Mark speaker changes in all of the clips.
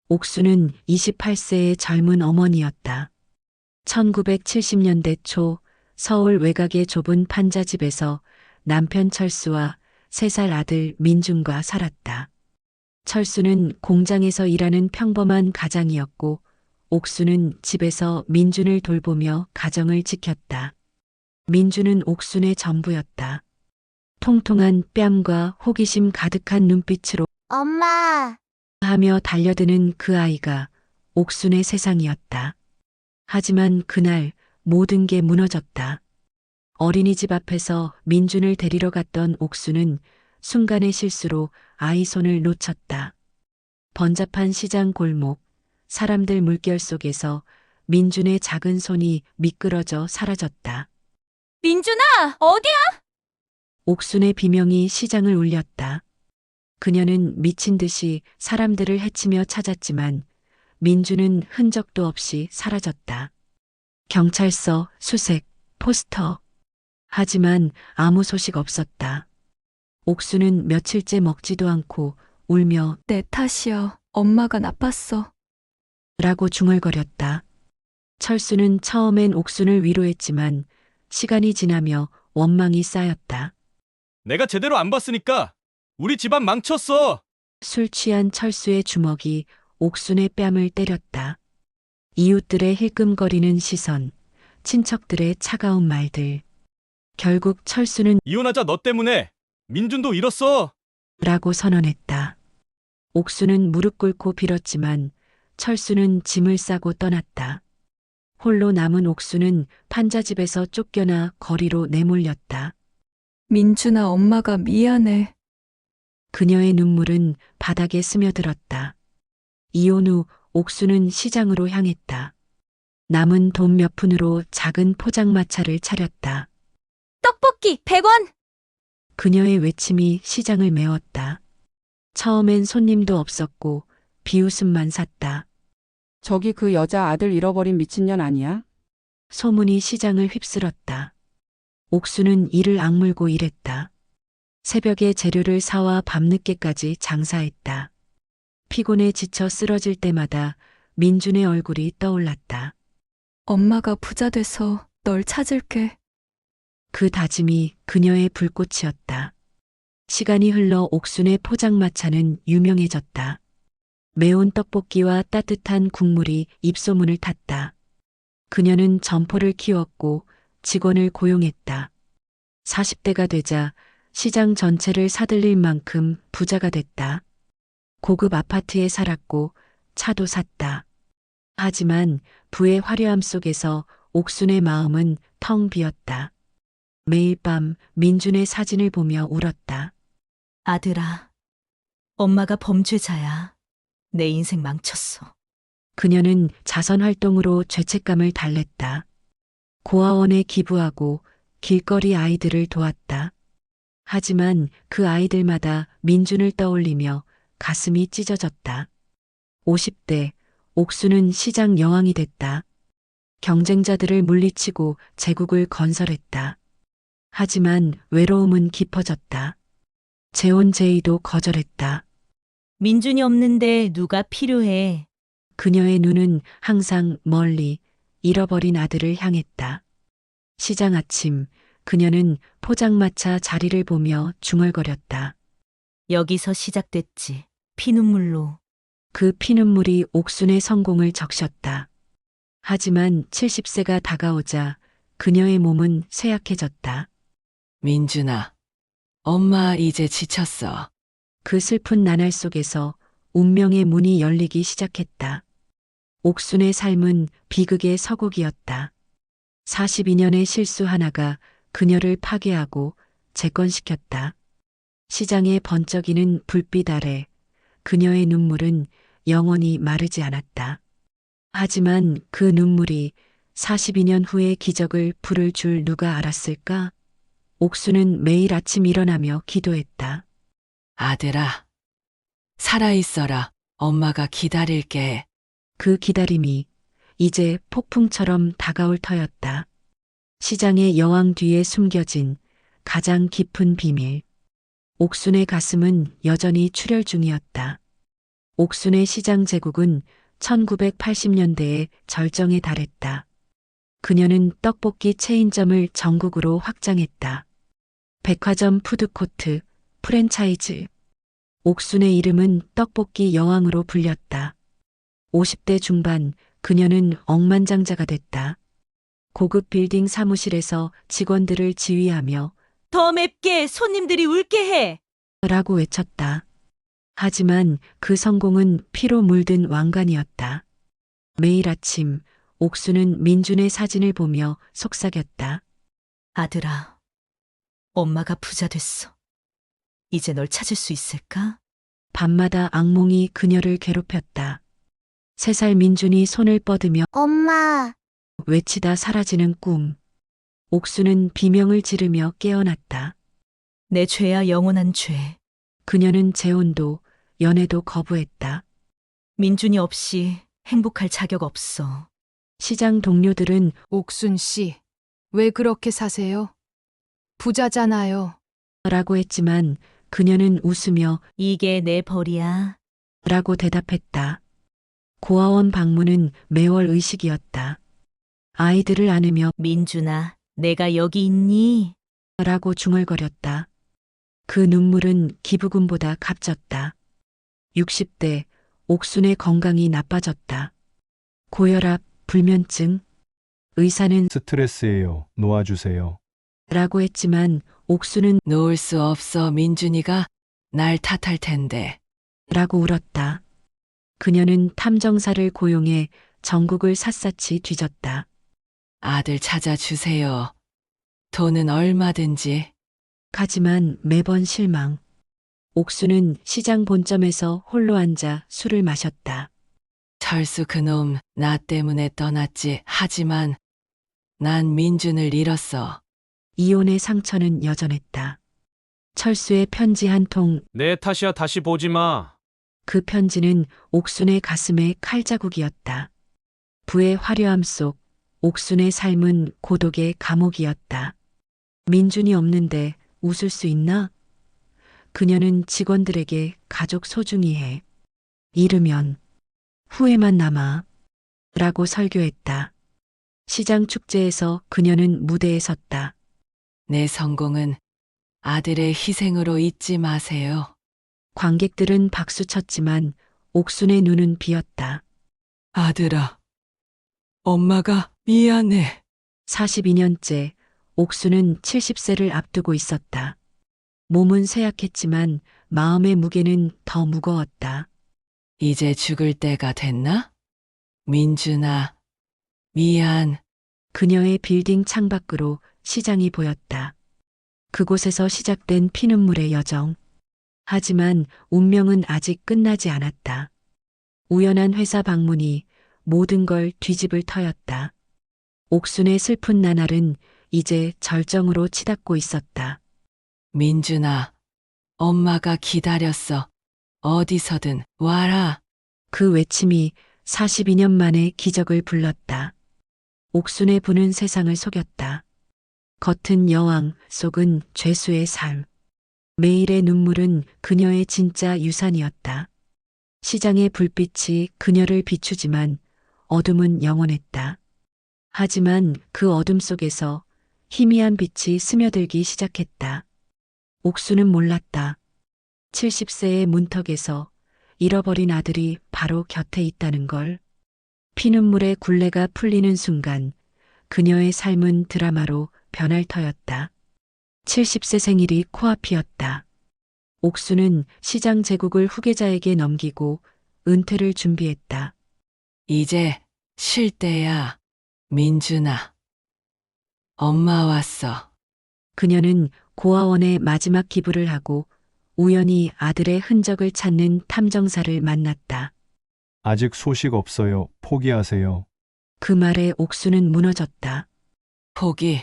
Speaker 1: 옥수는 28세의 젊은 어머니였다. 1970년대 초 서울 외곽의 좁은 판자집에서 남편 철수와 3살 아들 민준과 살았다. 철수는 공장에서 일하는 평범한 가장이었고 옥수는 집에서 민준을 돌보며 가정을 지켰다. 민준은 옥순의 전부였다. 통통한 뺨과 호기심 가득한 눈빛으로
Speaker 2: 엄마,
Speaker 1: 하며 달려드는 그 아이가 옥순의 세상이었다. 하지만 그날 모든 게 무너졌다. 어린이집 앞에서 민준을 데리러 갔던 옥수는 순간의 실수로 아이 손을 놓쳤다. 번잡한 시장 골목, 사람들 물결 속에서 민준의 작은 손이 미끄러져 사라졌다.
Speaker 2: 민준아, 어디야?
Speaker 1: 옥순의 비명이 시장을 울렸다. 그녀는 미친 듯이 사람들을 해치며 찾았지만 민준은 흔적도 없이 사라졌다. 경찰서, 수색, 포스터. 하지만 아무 소식 없었다. 옥수는 며칠째 먹지도 않고 울며
Speaker 3: 내 탓이야. 엄마가 나빴어.
Speaker 1: 라고 중얼거렸다. 철수는 처음엔 옥순을 위로했지만 시간이 지나며 원망이 쌓였다.
Speaker 4: 내가 제대로 안 봤으니까 우리 집안 망쳤어.
Speaker 1: 술 취한 철수의 주먹이 옥순의 뺨을 때렸다. 이웃들의 힐끔거리는 시선, 친척들의 차가운 말들. 결국 철수는
Speaker 4: 이혼하자 너 때문에 민준도 잃었어.
Speaker 1: 라고 선언했다. 옥수는 무릎 꿇고 빌었지만 철수는 짐을 싸고 떠났다. 홀로 남은 옥수는 판자집에서 쫓겨나 거리로 내몰렸다.
Speaker 3: 민준아, 엄마가 미안해.
Speaker 1: 그녀의 눈물은 바닥에 스며들었다. 이혼 후 옥수는 시장으로 향했다. 남은 돈 몇 푼으로 작은 포장마차를 차렸다.
Speaker 2: 떡볶이 100원!
Speaker 1: 그녀의 외침이 시장을 메웠다. 처음엔 손님도 없었고 비웃음만 샀다.
Speaker 5: 저기 그 여자 아들 잃어버린 미친년 아니야?
Speaker 1: 소문이 시장을 휩쓸었다. 옥수는 이를 악물고 일했다. 새벽에 재료를 사와 밤늦게까지 장사했다. 피곤에 지쳐 쓰러질 때마다 민준의 얼굴이 떠올랐다.
Speaker 3: 엄마가 부자 돼서 널 찾을게.
Speaker 1: 그 다짐이 그녀의 불꽃이었다. 시간이 흘러 옥순의 포장마차는 유명해졌다. 매운 떡볶이와 따뜻한 국물이 입소문을 탔다. 그녀는 점포를 키웠고 직원을 고용했다. 40대가 되자 시장 전체를 사들릴 만큼 부자가 됐다. 고급 아파트에 살았고 차도 샀다. 하지만 부의 화려함 속에서 옥순의 마음은 텅 비었다. 매일 밤 민준의 사진을 보며 울었다.
Speaker 6: 아들아, 엄마가 범죄자야. 내 인생 망쳤어.
Speaker 1: 그녀는 자선 활동으로 죄책감을 달랬다. 고아원에 기부하고 길거리 아이들을 도왔다. 하지만 그 아이들마다 민준을 떠올리며 가슴이 찢어졌다. 50대 옥수는 시장 여왕이 됐다. 경쟁자들을 물리치고 제국을 건설했다. 하지만 외로움은 깊어졌다. 재혼 제의도 거절했다.
Speaker 6: 민준이 없는데 누가 필요해.
Speaker 1: 그녀의 눈은 항상 멀리 잃어버린 아들을 향했다. 시장 아침, 그녀는 포장마차 자리를 보며 중얼거렸다.
Speaker 6: 여기서 시작됐지. 피눈물로.
Speaker 1: 그 피눈물이 옥순의 성공을 적셨다. 하지만 70세가 다가오자 그녀의 몸은 쇠약해졌다.
Speaker 7: 민준아, 엄마 이제 지쳤어.
Speaker 1: 그 슬픈 나날 속에서 운명의 문이 열리기 시작했다. 옥순의 삶은 비극의 서곡이었다. 42년의 실수 하나가 그녀를 파괴하고 재건시켰다. 시장에 번쩍이는 불빛 아래 그녀의 눈물은 영원히 마르지 않았다. 하지만 그 눈물이 42년 후의 기적을 부를 줄 누가 알았을까? 옥수는 매일 아침 일어나며 기도했다.
Speaker 7: 아들아, 살아있어라. 엄마가 기다릴게.
Speaker 1: 그 기다림이 이제 폭풍처럼 다가올 터였다. 시장의 여왕 뒤에 숨겨진 가장 깊은 비밀. 옥순의 가슴은 여전히 출혈 중이었다. 옥순의 시장 제국은 1980년대에 절정에 달했다. 그녀는 떡볶이 체인점을 전국으로 확장했다. 백화점 푸드코트, 프랜차이즈. 옥순의 이름은 떡볶이 여왕으로 불렸다. 50대 중반 그녀는 억만장자가 됐다. 고급 빌딩 사무실에서 직원들을 지휘하며
Speaker 6: 더 맵게 손님들이 울게 해.
Speaker 1: 라고 외쳤다. 하지만 그 성공은 피로 물든 왕관이었다. 매일 아침 옥수는 민준의 사진을 보며 속삭였다.
Speaker 6: 아들아, 엄마가 부자 됐어. 이제 널 찾을 수 있을까?
Speaker 1: 밤마다 악몽이 그녀를 괴롭혔다. 3살 민준이 손을 뻗으며
Speaker 2: 엄마.
Speaker 1: 외치다 사라지는 꿈. 옥수는 비명을 지르며 깨어났다.
Speaker 6: 내 죄야 영원한 죄.
Speaker 1: 그녀는 재혼도 연애도 거부했다.
Speaker 6: 민준이 없이 행복할 자격 없어.
Speaker 1: 시장 동료들은
Speaker 8: 옥순 씨, 왜 그렇게 사세요? 부자잖아요.
Speaker 1: 라고 했지만 그녀는 웃으며
Speaker 6: 이게 내 벌이야.
Speaker 1: 라고 대답했다. 고아원 방문은 매월 의식이었다. 아이들을 안으며
Speaker 6: 민준아, 내가 여기 있니?
Speaker 1: 라고 중얼거렸다. 그 눈물은 기부금보다 값졌다. 60대 옥순의 건강이 나빠졌다. 고혈압, 불면증. 의사는
Speaker 9: 스트레스예요. 놓아주세요.
Speaker 1: 라고 했지만 옥순은
Speaker 7: 놓을 수 없어. 민준이가 날 탓할 텐데.
Speaker 1: 라고 울었다. 그녀는 탐정사를 고용해 전국을 샅샅이 뒤졌다.
Speaker 7: 아들 찾아주세요. 돈은 얼마든지.
Speaker 1: 하지만 매번 실망. 옥수는 시장 본점에서 홀로 앉아 술을 마셨다.
Speaker 7: 철수 그놈 나 때문에 떠났지. 하지만 난 민준을 잃었어.
Speaker 1: 이혼의 상처는 여전했다. 철수의 편지 한 통,
Speaker 4: 내 탓이야 다시 보지 마.
Speaker 1: 그 편지는 옥순의 가슴에 칼자국이었다. 부의 화려함 속 옥순의 삶은 고독의 감옥이었다. 민준이 없는데 웃을 수 있나? 그녀는 직원들에게 가족 소중히 해. 잃으면 후회만 남아. 라고 설교했다. 시장 축제에서 그녀는 무대에 섰다.
Speaker 7: 내 성공은 아들의 희생으로 잊지 마세요.
Speaker 1: 관객들은 박수 쳤지만 옥순의 눈은 비었다.
Speaker 7: 아들아, 엄마가 미안해.
Speaker 1: 42년째 옥수는 70세를 앞두고 있었다. 몸은 쇠약했지만 마음의 무게는 더 무거웠다.
Speaker 7: 이제 죽을 때가 됐나? 민준아, 미안.
Speaker 1: 그녀의 빌딩 창밖으로 시장이 보였다. 그곳에서 시작된 피눈물의 여정. 하지만 운명은 아직 끝나지 않았다. 우연한 회사 방문이 모든 걸 뒤집을 터였다. 옥순의 슬픈 나날은 이제 절정으로 치닫고 있었다.
Speaker 7: 민준아, 엄마가 기다렸어. 어디서든 와라.
Speaker 1: 그 외침이 42년 만에 기적을 불렀다. 옥순의 부는 세상을 속였다. 겉은 여왕, 속은 죄수의 삶. 매일의 눈물은 그녀의 진짜 유산이었다. 시장의 불빛이 그녀를 비추지만 어둠은 영원했다. 하지만 그 어둠 속에서 희미한 빛이 스며들기 시작했다. 옥수는 몰랐다. 70세의 문턱에서 잃어버린 아들이 바로 곁에 있다는 걸. 피눈물의 굴레가 풀리는 순간 그녀의 삶은 드라마로 변할 터였다. 70세 생일이 코앞이었다. 옥수는 시장 제국을 후계자에게 넘기고 은퇴를 준비했다.
Speaker 7: 이제 쉴 때야. 민준아, 엄마 왔어.
Speaker 1: 그녀는 고아원에 마지막 기부를 하고 우연히 아들의 흔적을 찾는 탐정사를 만났다.
Speaker 9: 아직 소식 없어요. 포기하세요.
Speaker 1: 그 말에 옥수는 무너졌다.
Speaker 7: 포기.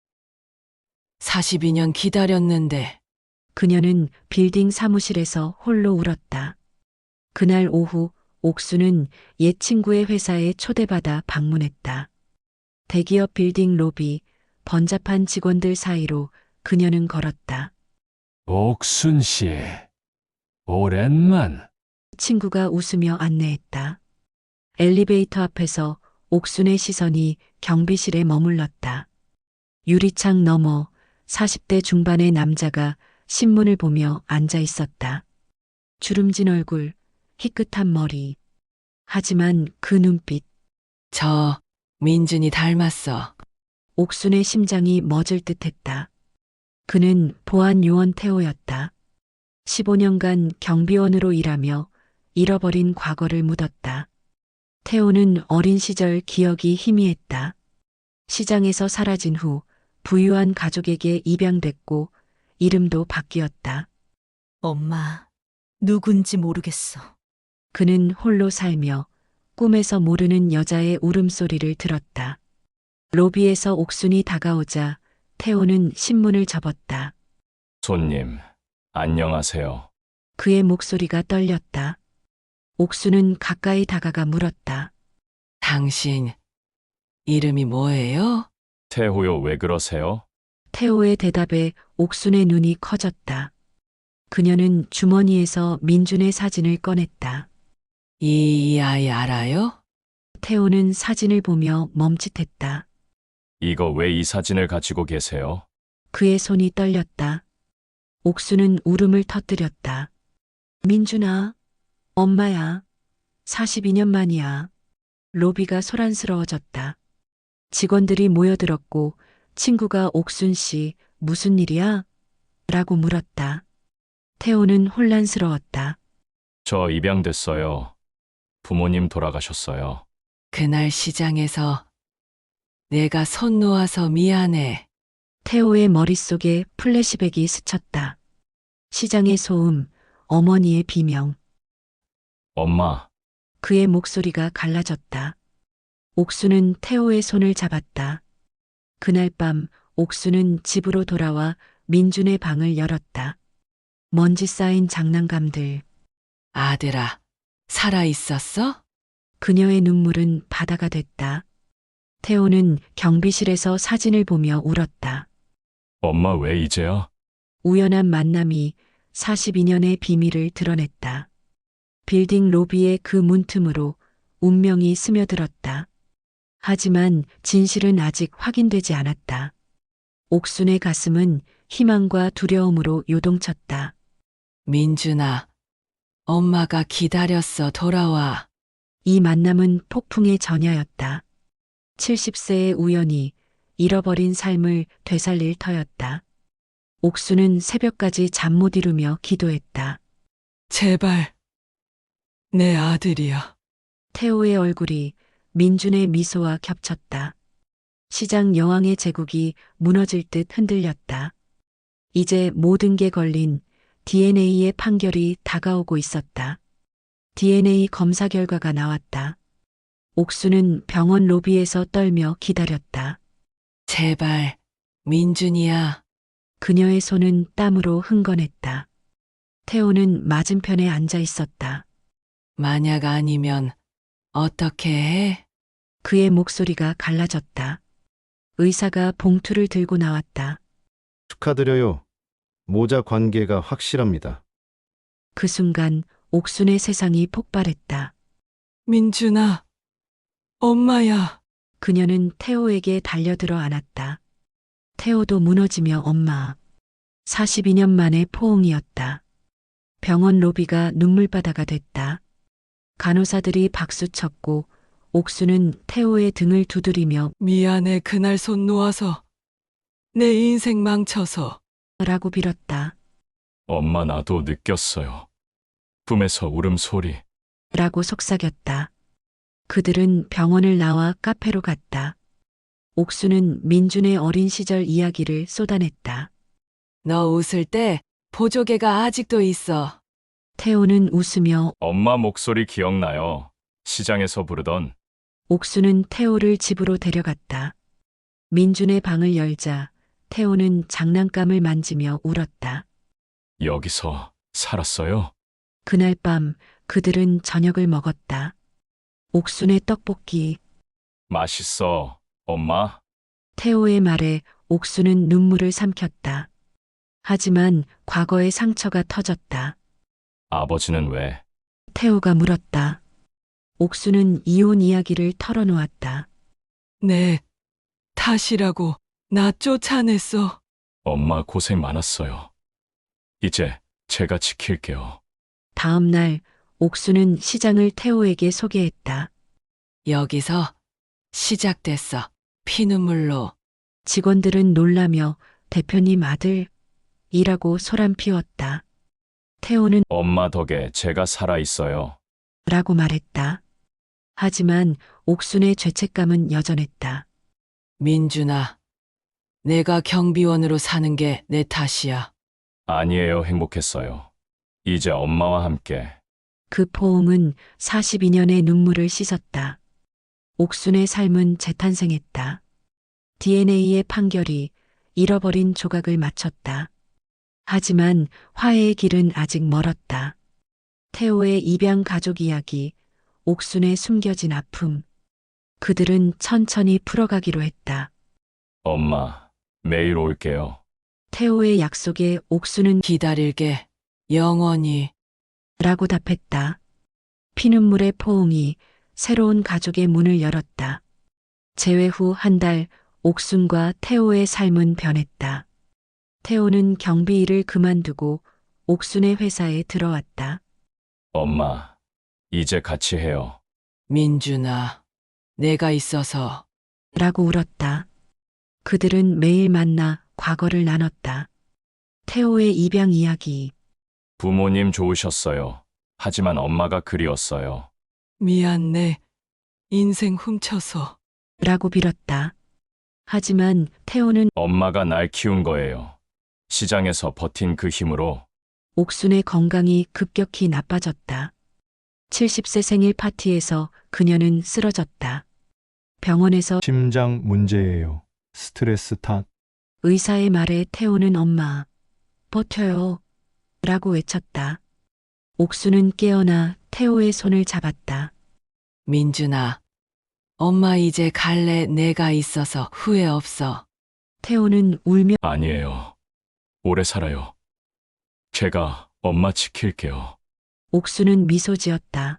Speaker 7: 42년 기다렸는데.
Speaker 1: 그녀는 빌딩 사무실에서 홀로 울었다. 그날 오후 옥수는 옛 친구의 회사에 초대받아 방문했다. 대기업 빌딩 로비, 번잡한 직원들 사이로 그녀는 걸었다.
Speaker 10: 옥순 씨, 오랜만.
Speaker 1: 친구가 웃으며 안내했다. 엘리베이터 앞에서 옥순의 시선이 경비실에 머물렀다. 유리창 너머 40대 중반의 남자가 신문을 보며 앉아 있었다. 주름진 얼굴, 희끗한 머리. 하지만 그 눈빛,
Speaker 7: 저 민준이 닮았어.
Speaker 1: 옥순의 심장이 멎을 듯했다. 그는 보안 요원 태호였다. 15년간 경비원으로 일하며 잃어버린 과거를 묻었다. 태호는 어린 시절 기억이 희미했다. 시장에서 사라진 후 부유한 가족에게 입양됐고 이름도 바뀌었다.
Speaker 6: 엄마, 누군지 모르겠어.
Speaker 1: 그는 홀로 살며 꿈에서 모르는 여자의 울음소리를 들었다. 로비에서 옥순이 다가오자 태호는 신문을 접었다.
Speaker 10: 손님, 안녕하세요.
Speaker 1: 그의 목소리가 떨렸다. 옥순은 가까이 다가가 물었다.
Speaker 7: 당신 이름이 뭐예요?
Speaker 10: 태호요, 왜 그러세요?
Speaker 1: 태호의 대답에 옥순의 눈이 커졌다. 그녀는 주머니에서 민준의 사진을 꺼냈다.
Speaker 7: 이 아이 알아요?
Speaker 1: 태호는 사진을 보며 멈칫했다.
Speaker 10: 이거 왜 이 사진을 가지고 계세요?
Speaker 1: 그의 손이 떨렸다. 옥수는 울음을 터뜨렸다. 민준아, 엄마야. 42년 만이야. 로비가 소란스러워졌다. 직원들이 모여들었고 친구가 옥순 씨, 무슨 일이야? 라고 물었다. 태호는 혼란스러웠다.
Speaker 10: 저 입양됐어요. 부모님 돌아가셨어요.
Speaker 7: 그날 시장에서 내가 손 놓아서 미안해.
Speaker 1: 태호의 머릿속에 플래시백이 스쳤다. 시장의 소음, 어머니의 비명.
Speaker 10: 엄마,
Speaker 1: 그의 목소리가 갈라졌다. 옥수는 태호의 손을 잡았다. 그날 밤 옥수는 집으로 돌아와 민준의 방을 열었다. 먼지 쌓인 장난감들.
Speaker 7: 아들아, 살아 있었어?
Speaker 1: 그녀의 눈물은 바다가 됐다. 태호는 경비실에서 사진을 보며 울었다.
Speaker 10: 엄마 왜 이제야?
Speaker 1: 우연한 만남이 42년의 비밀을 드러냈다. 빌딩 로비의 그 문틈으로 운명이 스며들었다. 하지만 진실은 아직 확인되지 않았다. 옥순의 가슴은 희망과 두려움으로 요동쳤다.
Speaker 7: 민준아, 엄마가 기다렸어. 돌아와.
Speaker 1: 이 만남은 폭풍의 전야였다. 70세의 우연이 잃어버린 삶을 되살릴 터였다. 옥수는 새벽까지 잠 못 이루며 기도했다.
Speaker 7: 제발, 내 아들이야.
Speaker 1: 태호의 얼굴이 민준의 미소와 겹쳤다. 시장 여왕의 제국이 무너질 듯 흔들렸다. 이제 모든 게 걸린 DNA의 판결이 다가오고 있었다. DNA 검사 결과가 나왔다. 옥수는 병원 로비에서 떨며 기다렸다.
Speaker 7: 제발, 민준이야.
Speaker 1: 그녀의 손은 땀으로 흥건했다. 태호는 맞은편에 앉아 있었다.
Speaker 7: 만약 아니면 어떻게 해?
Speaker 1: 그의 목소리가 갈라졌다. 의사가 봉투를 들고 나왔다.
Speaker 11: 축하드려요. 모자 관계가 확실합니다.
Speaker 1: 그 순간 옥순의 세상이 폭발했다.
Speaker 7: 민준아, 엄마야.
Speaker 1: 그녀는 태호에게 달려들어 안았다. 태호도 무너지며 엄마. 42년 만의 포옹이었다. 병원 로비가 눈물바다가 됐다. 간호사들이 박수쳤고 옥수는 태호의 등을 두드리며
Speaker 7: 미안해. 그날 손 놓아서 내 인생 망쳐서.
Speaker 1: 라고 빌었다.
Speaker 10: 엄마 나도 느꼈어요. 꿈에서 울음소리.
Speaker 1: 라고 속삭였다. 그들은 병원을 나와 카페로 갔다. 옥수는 민준의 어린 시절 이야기를 쏟아냈다.
Speaker 7: 너 웃을 때 보조개가 아직도 있어.
Speaker 1: 태호는 웃으며
Speaker 10: 엄마 목소리 기억나요. 시장에서 부르던.
Speaker 1: 옥수는 태호를 집으로 데려갔다. 민준의 방을 열자 태호는 장난감을 만지며 울었다.
Speaker 10: 여기서 살았어요?
Speaker 1: 그날 밤 그들은 저녁을 먹었다. 옥순의 떡볶이.
Speaker 10: 맛있어, 엄마.
Speaker 1: 태호의 말에 옥수는 눈물을 삼켰다. 하지만 과거의 상처가 터졌다.
Speaker 10: 아버지는 왜?
Speaker 1: 태호가 물었다. 옥수는 이혼 이야기를 털어놓았다.
Speaker 7: 내 탓이라고 나 쫓아냈어.
Speaker 10: 엄마 고생 많았어요. 이제 제가 지킬게요.
Speaker 1: 다음 날 옥수는 시장을 태호에게 소개했다.
Speaker 7: 여기서 시작됐어. 피눈물로.
Speaker 1: 직원들은 놀라며 대표님 아들이라고 소란 피웠다. 태호는
Speaker 10: 엄마 덕에 제가 살아 있어요.
Speaker 1: 라고 말했다. 하지만 옥순의 죄책감은 여전했다.
Speaker 7: 민준아, 내가 경비원으로 사는 게 내 탓이야.
Speaker 10: 아니에요. 행복했어요. 이제 엄마와 함께.
Speaker 1: 그 포옹은 42년의 눈물을 씻었다. 옥순의 삶은 재탄생했다. DNA의 판결이 잃어버린 조각을 맞췄다. 하지만 화해의 길은 아직 멀었다. 태호의 입양 가족 이야기, 옥순의 숨겨진 아픔. 그들은 천천히 풀어가기로 했다.
Speaker 10: 엄마, 매일 올게요.
Speaker 1: 태호의 약속에 옥순은
Speaker 7: 기다릴게. 영원히.
Speaker 1: 라고 답했다. 피눈물의 포옹이 새로운 가족의 문을 열었다. 재회 후 한 달, 옥순과 태호의 삶은 변했다. 태호는 경비 일을 그만두고 옥순의 회사에 들어왔다.
Speaker 10: 엄마, 이제 같이 해요.
Speaker 7: 민준아, 내가 있어서.
Speaker 1: 라고 울었다. 그들은 매일 만나 과거를 나눴다. 태호의 입양 이야기,
Speaker 10: 부모님 좋으셨어요. 하지만 엄마가 그리웠어요.
Speaker 7: 미안, 내 인생 훔쳐서.
Speaker 1: 라고 빌었다. 하지만 태호는
Speaker 10: 엄마가 날 키운 거예요. 시장에서 버틴 그 힘으로.
Speaker 1: 옥순의 건강이 급격히 나빠졌다. 70세 생일 파티에서 그녀는 쓰러졌다. 병원에서
Speaker 9: 심장 문제예요. 스트레스 탓.
Speaker 1: 의사의 말에 태호는 엄마, 버텨요. 라고 외쳤다. 옥수는 깨어나 태호의 손을 잡았다.
Speaker 7: 민준아, 엄마 이제 갈래. 내가 있어서 후회 없어.
Speaker 1: 태호는 울며
Speaker 10: 아니에요. 오래 살아요. 제가 엄마 지킬게요.
Speaker 1: 옥수는 미소 지었다.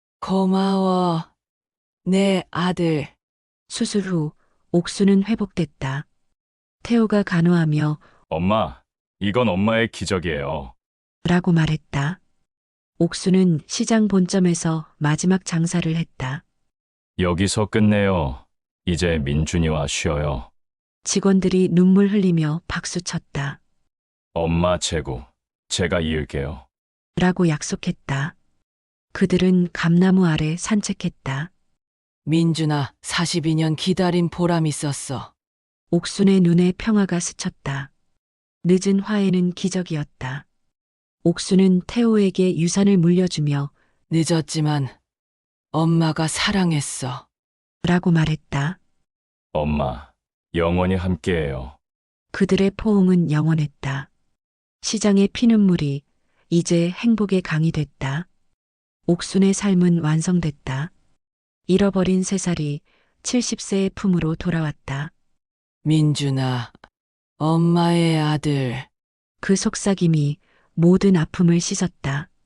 Speaker 7: 고마워. 내 아들.
Speaker 1: 수술 후 옥수는 회복됐다. 태호가 간호하며
Speaker 10: 엄마, 이건 엄마의 기적이에요.
Speaker 1: 라고 말했다. 옥수는 시장 본점에서 마지막 장사를 했다.
Speaker 10: 여기서 끝내요. 이제 민준이와 쉬어요.
Speaker 1: 직원들이 눈물 흘리며 박수쳤다.
Speaker 10: 엄마 최고. 제가 이을게요.
Speaker 1: 라고 약속했다. 그들은 감나무 아래 산책했다.
Speaker 7: 민준아, 42년 기다린 보람 있었어.
Speaker 1: 옥순의 눈에 평화가 스쳤다. 늦은 화해는 기적이었다. 옥순은 태호에게 유산을 물려주며
Speaker 7: 늦었지만 엄마가 사랑했어.
Speaker 1: 라고 말했다.
Speaker 10: 엄마, 영원히 함께해요.
Speaker 1: 그들의 포옹은 영원했다. 시장의 피눈물이 이제 행복의 강이 됐다. 옥순의 삶은 완성됐다. 잃어버린 3살이 70세의 품으로 돌아왔다.
Speaker 7: 민준아, 엄마의 아들.
Speaker 1: 그 속삭임이 모든 아픔을 씻었다.